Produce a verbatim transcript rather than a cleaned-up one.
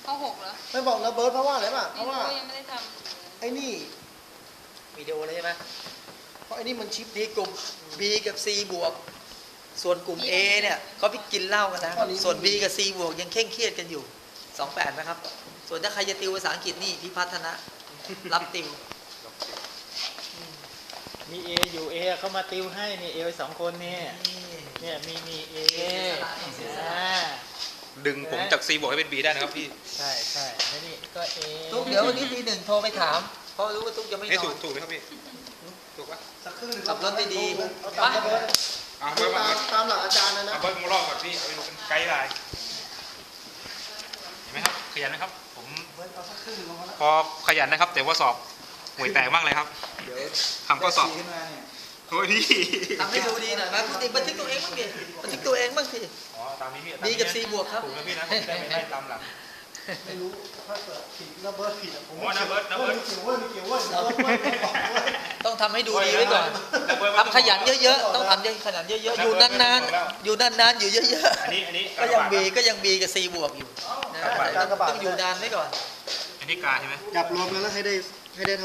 ข้อหกเหรอไม่บอกนะเบิร์ดเพราะว่าอะไรป่ะเพราะว่ายังไม่ได้ทไอ้นี่วิดีโอเลยใช่ไหมเพราะไอ้นี่มันชิปนี่กลุ่ม B กับ C บวกส่วนกลุ่ม A เนี่ยเขาไปกินเหล้ากันนะครับส่วน B กับ C บวกยังเคร่งเครียดกันอยู่สองแปดนะครับส่วนถ้าใครจะติวภาษาอังกฤษนี่พิพัฒนะรับติวมีเออยู่เอเขามาติวให้นี่เอสองคนนี่เนี่ยมีมีเออ่าดึงผมจาก C บวกให้เป็น B ได้นะครับพี่ใช่ใช่แล้วนี่ก็เอตุ๊กเดี๋ยววันนี้ทีหนึ่งโทรไปถามเพราะรู้ว่าตุ๊กจะไม่นนี่อถูกนถูกไหมครับพี่ถูกปะสักครึ่งหนึ่งขับรถได้ดีเอาตามนะเบิร์ดอ่าเอาเบิร์ดตามตามหลักอาจารย์นะนะเอาเบิร์ดมารอบก่อนพี่เอาไปดูเป็นไกด์ไลน์เห็นไหมครับขยันนะครับผมเบิร์ดเอาสักครึ่งหนึ่งลงมาแล้วพอขยันนะครับ แต่ว่าสอบห่วยแตกมากเลยครับเดี๋ยวทำข้อสอบขึ้นมาเนี่ยโอ้ยพี่ทำให้ดูดีหน่อยนะปกติบันทึกตัวเองบ้างดิบันทึกตัวเองบ้างสิอ๋อตามนี้พี่ B กับ C บวกครับถูกนะพี่นะผมได้ไม่ได้ตามหลังไม่รู้ถ้าเกิดผิดนะเบิร์ดผิดอะผมโอ้นะเบิร์ดนะเบิร์ดไม่เกี่ยวเว้ยไม่เกี่ยวเว้ยนะเบิร์ดเว้ยไม่บอกเว้ยต้องทำให้ดูดีไว้ก่อนทำขยันเยอะๆต้องทำขยันเยอะๆอยู่นานๆอยู่นานๆอยู่เยอะอันนี้อันนี้ๆก็ยัง B ก็ยัง B กับ C บวกอยู่นะต้องอยู่นานไว้ก่อนอันนี้กาใช่ไหมจับรวมแล้วให้ได้ให้ได้